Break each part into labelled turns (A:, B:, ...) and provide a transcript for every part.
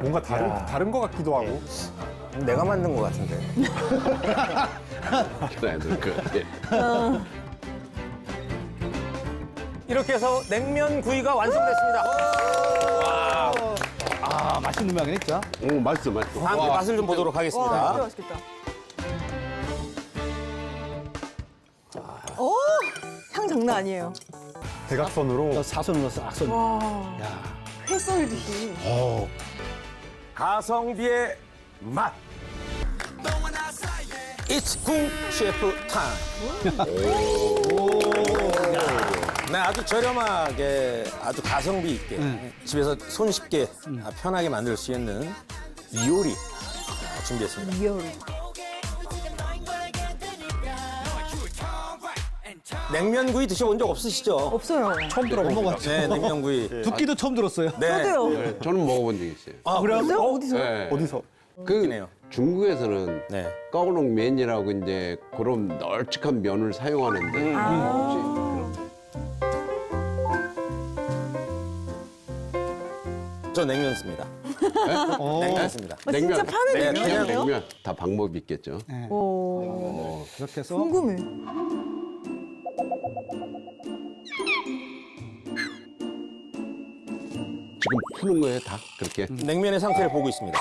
A: 뭔가 다른 것 같기도 하고.
B: 내가 만든 것 같은데.
C: 애들 그
B: 이렇게 해서 냉면 구이가 완성됐습니다.
D: 아, 맛있는 모양이네, 진짜.
C: 오, 맛있어, 맛있어.
B: 다음 맛을 좀 보도록
E: 와, 진짜
B: 하겠습니다.
E: 맛있겠다. 오, 향 장난 아니에요.
A: 대각선으로.
D: 사선으로 싹 선.
E: 와,
D: 야.
E: 회 썰듯이.
B: 가성비의 맛. It's 궁 셰프 타임. 네, 아주 저렴하게, 아주 가성비 있게 집에서 손쉽게 편하게 만들 수 있는 요리 준비했습니다.
E: 리얼.
B: 냉면구이 드셔본 적 없으시죠?
E: 없어요.
D: 처음 들어봤죠.
B: 네, 냉면구이.
D: 듣기도 처음 들었어요.
B: 네.
E: 저도요.
C: 저는 먹어본 적이 있어요.
B: 아, 그래요?
E: 어디서? 어디서?
C: 네.
A: 어디서?
C: 그 중국에서는
B: 네.
C: 꺼그롱면이라고 이제 그런 널찍한 면을 사용하는데
B: 저 냉면 씁니다. 냉면 씁니다.
E: 아, 진짜 파는
B: 네,
C: 그냥
E: 냉면이에요?
C: 냉면 다 방법이 있겠죠.
E: 오,
D: 그렇게 해서
E: 궁금해.
C: 지금 푸는 거예요, 다 그렇게.
B: 냉면의 상태를 보고 있습니다.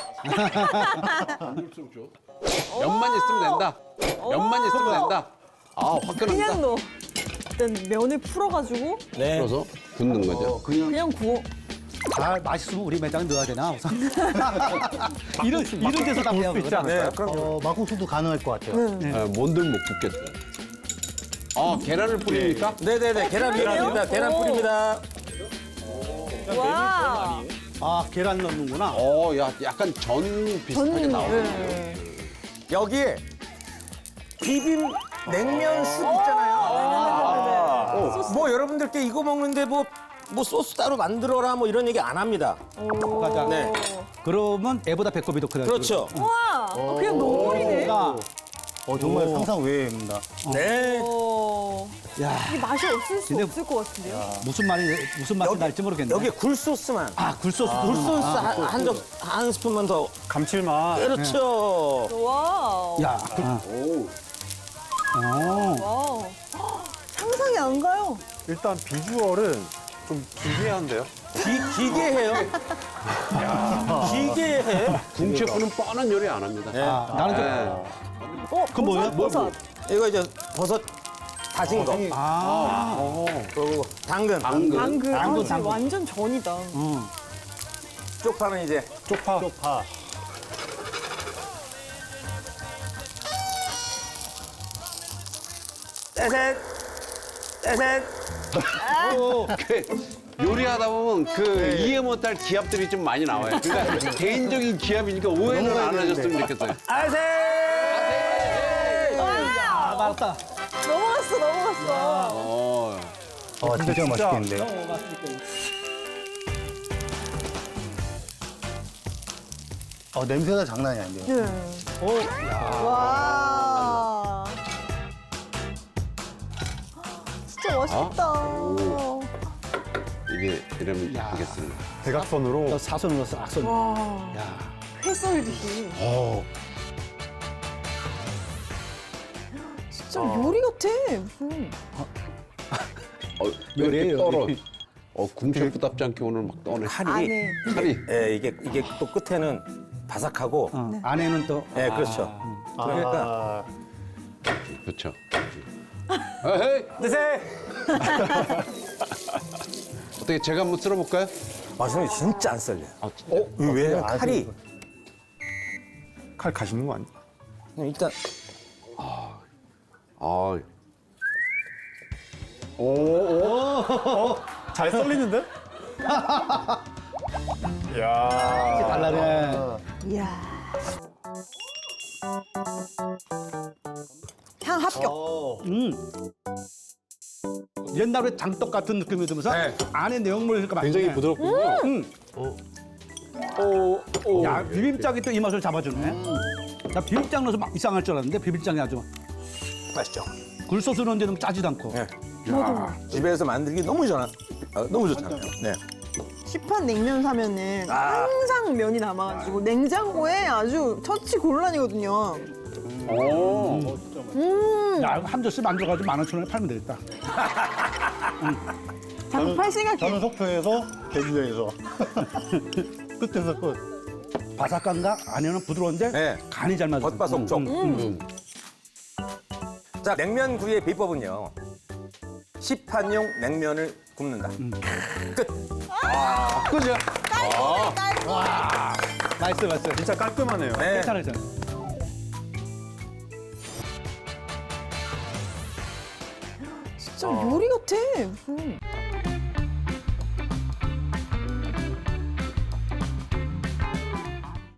C: 면만 있으면 된다. 면만 있으면 된다. 아, 화끈합니다.
E: 그냥 넣어. 일단 면을 풀어가지고
B: 네.
C: 풀어서 굽는 거죠.
E: 그냥 구워.
D: 다 맛있으면 우리 매장 넣어야 되나? 우선. 이런 데서 다 배워.
A: 있지 않을까요?
B: 그럼
D: 막국수도 가능할 것 같아요.
C: 뭔들 못 굽겠어요. 계란을 뿌립니까?
B: 네네네. 계란 뿌립니다. 계란 뿌립니다.
E: 와.
D: 아, 계란 넣는구나.
C: 야, 약간 전 비슷하게 나오네.
E: 네.
B: 여기에 비빔 냉면 쑥 있잖아요. 뭐 여러분들께 이거 먹는데 뭐 소스 따로 만들어라 뭐 이런 얘기 안 합니다.
D: 맞아.
B: 네.
D: 그러면 애보다 배꼽이 더 크다.
B: 그렇죠.
E: 와, 그냥 너구리네.
D: 정말 상상 외입니다.
B: 네.
D: 야,
E: 이 맛이 없을 수
D: 근데-
E: 없을 것 같은데요?
D: 무슨 맛이 날지 모르겠네.
B: 여기에 굴소스만.
D: 굴소스.
B: 굴소스 한 스푼만 더.
A: 감칠맛.
B: 그렇죠.
E: 와우.
D: 야,
E: 와우. 상상이 안 가요.
A: 일단 비주얼은 좀 기괴한데요?
B: 기괴해요. 기괴해.
C: 궁셰프는 뻔한 요리 안 합니다.
D: 나는 좀. 그건 뭐예요?
E: 버섯.
B: 이거 이제 버섯 다진 거. 그리고 당근.
E: 당근. 아, 진짜
D: 당근.
E: 완전 전이다.
B: 쪽파는 이제
A: 쪽파.
B: 떼셋.
C: 요리하다 보면 이해 못할 기합들이 좀 많이 나와요. 그러니까 개인적인 기합이니까 오해는 안 하셨으면 좋겠어요.
B: 아셋.
D: 아, 맞다.
E: 넘어갔어.
A: 진짜 맛있겠는데요?
D: 냄새가 장난이 아닌데요.
E: 네. 와. 진짜 맛있다.
C: 이게 이러면 되겠습니다.
A: 대각선으로.
D: 사선으로 싹 선.
E: 와.
D: 야.
E: 회 썰듯이. 진짜 요리 같아. 무슨.
C: 왜 이렇게
D: 요리예요,
C: 떨어?
D: 요리.
C: 궁셰프답지 않게 오늘 막 떠네.
E: 안에.
C: 칼이.
B: 예, 이게 또 끝에는 바삭하고.
D: 안에는 또.
B: 예, 그렇죠. 그러니까
C: 그렇죠. 에헤이.
B: 드세요.
C: 어떻게 제가 한번 쓸어볼까요?
B: 저는 진짜 안 썰려요.
C: 진짜?
B: 왜? 칼이
A: 칼 가시는 거 아니야?
B: 그냥 일단
C: 아,
A: 잘 썰리는데? 이야.
D: 달라네.
E: 이야. 향 합격.
D: 옛날에 장떡 같은 느낌이 들면서
B: 네.
D: 안에 내용물이 그러니까
A: 굉장히
D: 맛있네.
A: 부드럽군요.
D: 야, 비빔장이 또 이 맛을 잡아주네. 나 비빔장 넣어서 막 이상할 줄 알았는데 비빔장이 아주
B: 맛있죠.
D: 굴소스 넣은 데는 짜지도 않고.
B: 네. 집에서 만들기 너무 좋잖아요. 네.
E: 시판 냉면 사면은 항상 면이 남아가지고 냉장고에 아주 처치 곤란이거든요.
C: 오.
D: 야, 이거 한 접시 만들어가지고 15,000원에 팔면 되겠다.
E: 자꾸 팔 생각해.
A: 저는 속초에서 제주도에서 끝에서 끝.
D: 바삭한가? 안에는 부드러운데
B: 네.
D: 간이 잘 맞아.
B: 겉바속촉. 자, 냉면 구이의 비법은요. 시판용 냉면을 굽는다. 끝.
C: 그죠?
D: 맛있어, 맛있어.
A: 진짜 깔끔하네요.
B: 네.
D: 괜찮아, 괜찮아.
E: 진짜 요리 같아. 무슨.